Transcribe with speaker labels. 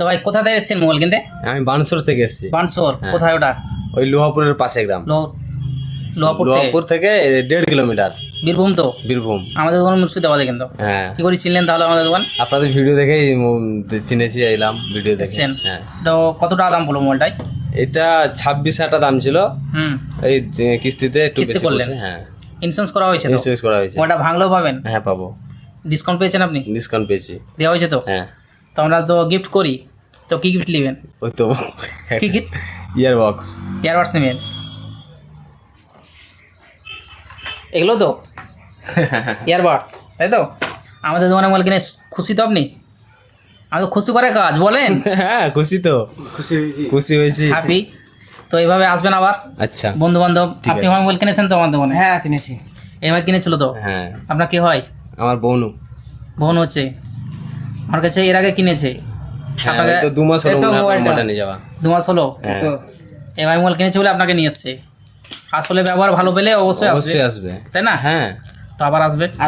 Speaker 1: তো ভাই কোথা থেকে এসেছেন মোবাইল কিনতে?
Speaker 2: আমি বানসর থেকে এসেছি।
Speaker 1: বানসর
Speaker 2: হ্যাঁ।
Speaker 1: কোথায় ওটা?
Speaker 2: ওই লোহাপুরের পাশে গ্রাম।
Speaker 1: লোহাপুর থেকে
Speaker 2: লোহাপুর থেকে 1.5 কিলোমিটার।
Speaker 1: বীরভূম তো?
Speaker 2: বীরভূম।
Speaker 1: আমাদের দোকান মুর্শিদাবাদে কিন্তু।
Speaker 2: হ্যাঁ,
Speaker 1: কি করে চিনলেন তাহলে আমাদের দোকান?
Speaker 2: আপনাদের ভিডিও দেখেই চিনেছি, এলাম ভিডিও দেখে।
Speaker 1: এসছেন?
Speaker 2: হ্যাঁ,
Speaker 1: তো কত টাকা দাম পড়লো মোবাইলটাই?
Speaker 2: এটা 26,000 টাকা দাম ছিল।
Speaker 1: হুম,
Speaker 2: এই কিস্তিতে একটু
Speaker 1: কিস্তি
Speaker 2: বেশি
Speaker 1: করলেন?
Speaker 2: পড়ছে। হ্যাঁ,
Speaker 1: ইন্স্যুরেন্স করা হয়েছে তো?
Speaker 2: ইন্স্যুরেন্স করা হয়েছে।
Speaker 1: মোবাইলটা ভাঙলেও পাবেন?
Speaker 2: হ্যাঁ, পাবো।
Speaker 1: ডিসকাউন্ট পেয়েছেন আপনি?
Speaker 2: ডিসকাউন্ট পেয়েছি।
Speaker 1: দেওয়া হয়েছে তো?
Speaker 2: হ্যাঁ,
Speaker 1: তো আমরা তো গিফট করি, তো কি গিফট নেবেন?
Speaker 2: ওই তো
Speaker 1: কি গিফট?
Speaker 2: ইয়ারবক্স।
Speaker 1: ইয়ারবাডস নেবেন? এগুলো তো ইয়ারবাডস, তাই তো? আমাদের দোকানে মোবাইল কিনে খুশি তো আপনি? আমি খুশি করে কাজ বলেন।
Speaker 2: হ্যাঁ, খুশি তো, খুশি হয়েছি।
Speaker 1: হ্যাপি। তো এইভাবে আসবেন আবার
Speaker 2: আচ্ছা,
Speaker 1: বন্ধু বান্ধব।
Speaker 2: ঠিক
Speaker 1: আপনি
Speaker 2: আছে।
Speaker 1: আমার মোবাইল কিনেছেন তো আমার দোকানে?
Speaker 3: হ্যাঁ কিনেছি।
Speaker 1: এবার কিনেছিল তো?
Speaker 2: হ্যাঁ,
Speaker 1: আপনার কি হয়?
Speaker 2: আমার বোনও।
Speaker 1: বোন হচ্ছে আমার কাছে এর আগে কিনেছে।
Speaker 2: হ্যাঁ,
Speaker 1: আপনাকে
Speaker 2: ওই তো 2 মাস হলো
Speaker 3: এই তো
Speaker 2: মনে হয়
Speaker 3: মোবাইলটা।
Speaker 2: মোবাইলটা নিয়ে যাওয়া।
Speaker 1: 2 মাস হলো
Speaker 2: হ্যাঁ,
Speaker 3: তো
Speaker 1: এবার মোবাইল কিনেছে বলে আপনাকে নিয়ে এসছে। আসলে ব্যবহার ভালো পেলে অবশ্যই আসবে,
Speaker 2: অবশ্যই আসবে।
Speaker 1: তাই না?
Speaker 2: হ্যাঁ,
Speaker 1: তো আবার আসবে।